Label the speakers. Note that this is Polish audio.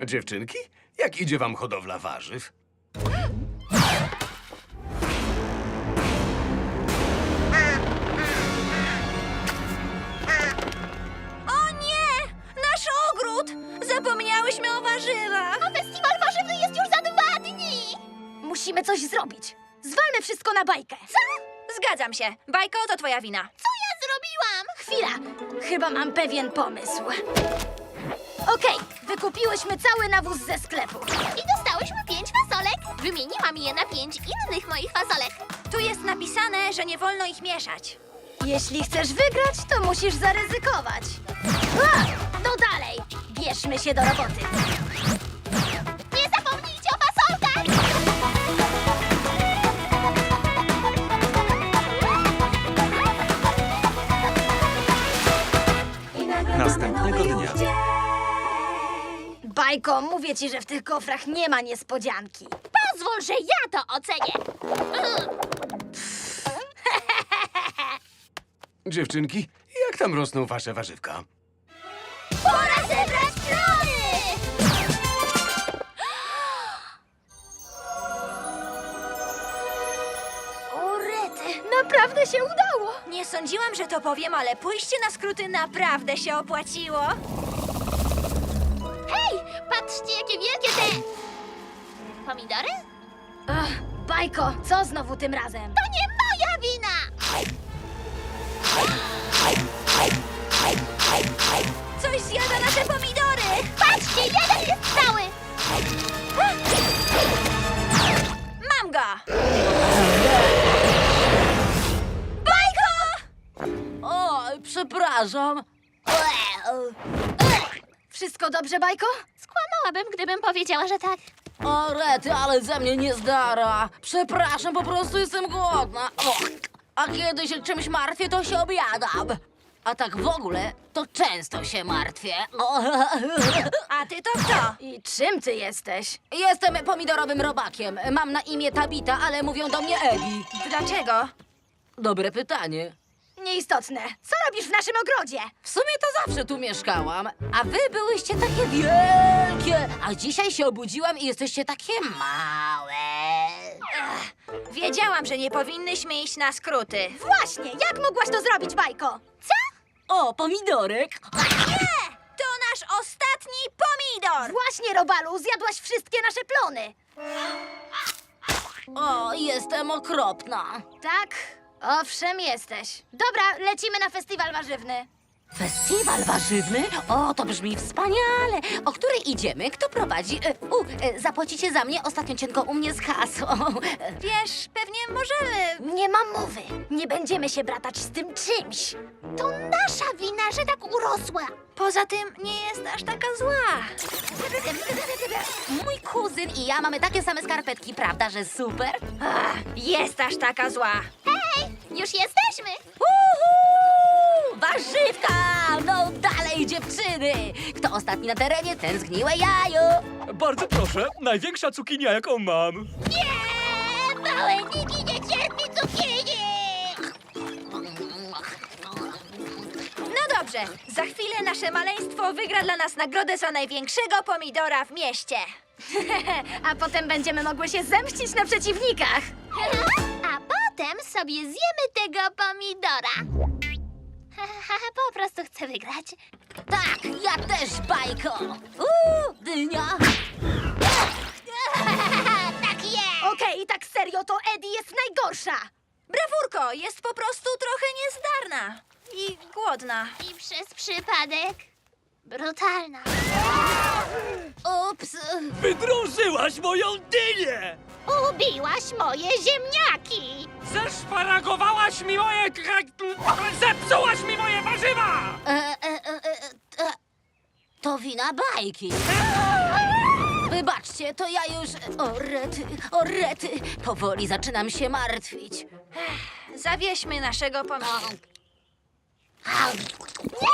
Speaker 1: Dziewczynki, jak idzie wam hodowla warzyw?
Speaker 2: O nie! Nasz ogród! Zapomniałyśmy o warzywach!
Speaker 3: A festiwal warzywny jest już za 2 dni!
Speaker 4: Musimy coś zrobić. Zwalmy wszystko na bajkę.
Speaker 3: Co?
Speaker 2: Zgadzam się. Bajko, to twoja wina.
Speaker 3: Co ja zrobiłam?
Speaker 4: Chwila, chyba mam pewien pomysł. Okej, wykupiłyśmy cały nawóz ze sklepu.
Speaker 3: I dostałyśmy 5 fasolek. Wymieniłam je na 5 innych moich fasolek.
Speaker 2: Tu jest napisane, że nie wolno ich mieszać.
Speaker 4: Jeśli chcesz wygrać, to musisz zaryzykować. No dalej, bierzmy się do roboty.
Speaker 3: Nie zapomnijcie o fasolkach!
Speaker 5: Następnego dnia.
Speaker 4: Bajko, mówię ci, że w tych kofrach nie ma niespodzianki.
Speaker 3: Pozwól, że ja to ocenię.
Speaker 1: Dziewczynki, jak tam rosną wasze warzywka?
Speaker 3: Pora zebrać plony!
Speaker 4: O rety, naprawdę się udało.
Speaker 2: Nie sądziłam, że to powiem, ale pójście na skróty naprawdę się opłaciło.
Speaker 3: Hej, patrzcie, jakie wielkie te... Pomidory?
Speaker 4: Ach, Bajko, co znowu tym razem?
Speaker 3: To nie moja wina!
Speaker 2: Coś zjada nasze pomidory!
Speaker 3: Patrzcie, jeden jest cały!
Speaker 2: Mam go! Bajko!
Speaker 4: O, przepraszam. Wszystko dobrze, Bajko?
Speaker 3: Skłamałabym, gdybym powiedziała, że tak.
Speaker 4: O rety, ale ze mnie nie zdara. Przepraszam, po prostu jestem głodna. O, a kiedy się czymś martwię, to się objadam. A tak w ogóle, to często się martwię. O.
Speaker 2: A ty to kto?
Speaker 4: I czym ty jesteś? Jestem pomidorowym robakiem. Mam na imię Tabita, ale mówią do mnie Edi.
Speaker 2: Dlaczego?
Speaker 4: Dobre pytanie. Nieistotne. Co robisz w naszym ogrodzie? W sumie to zawsze tu mieszkałam. A wy byłyście takie wielkie. A dzisiaj się obudziłam i jesteście takie małe.
Speaker 2: Wiedziałam, że nie powinnyśmy iść na skróty.
Speaker 4: Właśnie, jak mogłaś to zrobić, Bajko? Co? O, pomidorek.
Speaker 2: Nie! To nasz ostatni pomidor!
Speaker 4: Właśnie, Robalu, zjadłaś wszystkie nasze plony. O, jestem okropna. Tak? Owszem, jesteś. Dobra, lecimy na festiwal warzywny. Festiwal warzywny? O, to brzmi wspaniale. O której idziemy? Kto prowadzi? Zapłacicie za mnie ostatnio cienko u mnie z kasą.
Speaker 2: Wiesz, pewnie możemy.
Speaker 4: Nie mam mowy. Nie będziemy się bratać z tym czymś.
Speaker 3: To nasza wina, że tak urosła.
Speaker 2: Poza tym nie jest aż taka zła.
Speaker 4: Mój kuzyn i ja mamy takie same skarpetki, prawda, że super?
Speaker 2: Jest aż taka zła.
Speaker 3: Hej, już jesteśmy.
Speaker 4: Uhu! Warzywka! No dalej, dziewczyny! Kto ostatni na terenie, ten zgniłe jajo!
Speaker 5: Bardzo proszę, największa cukinia, jaką mam.
Speaker 3: Nie, małe Niki nie cierpi cukinii.
Speaker 2: No dobrze, za chwilę nasze maleństwo wygra dla nas nagrodę za największego pomidora w mieście.
Speaker 4: A potem będziemy mogły się zemścić na przeciwnikach.
Speaker 3: A potem sobie zjemy tego pomidora. Po prostu chcę wygrać.
Speaker 4: Tak, ja też, Bajko! Dynia!
Speaker 3: Tak jest!
Speaker 4: Okej, tak serio, to Eddie jest najgorsza!
Speaker 2: Brawurko, jest po prostu trochę niezdarna. I głodna.
Speaker 3: I przez przypadek brutalna.
Speaker 4: Ups!
Speaker 5: Wydrążyłaś moją dynię!
Speaker 3: Ubiłaś moje ziemniaki!
Speaker 5: Zeszparagowałaś mi moje... Zepsułaś mi moje warzywa!
Speaker 4: To wina Bajki. Wybaczcie, to ja już... O rety, powoli zaczynam się martwić.
Speaker 2: Zawieźmy naszego pomidora.
Speaker 3: Nie!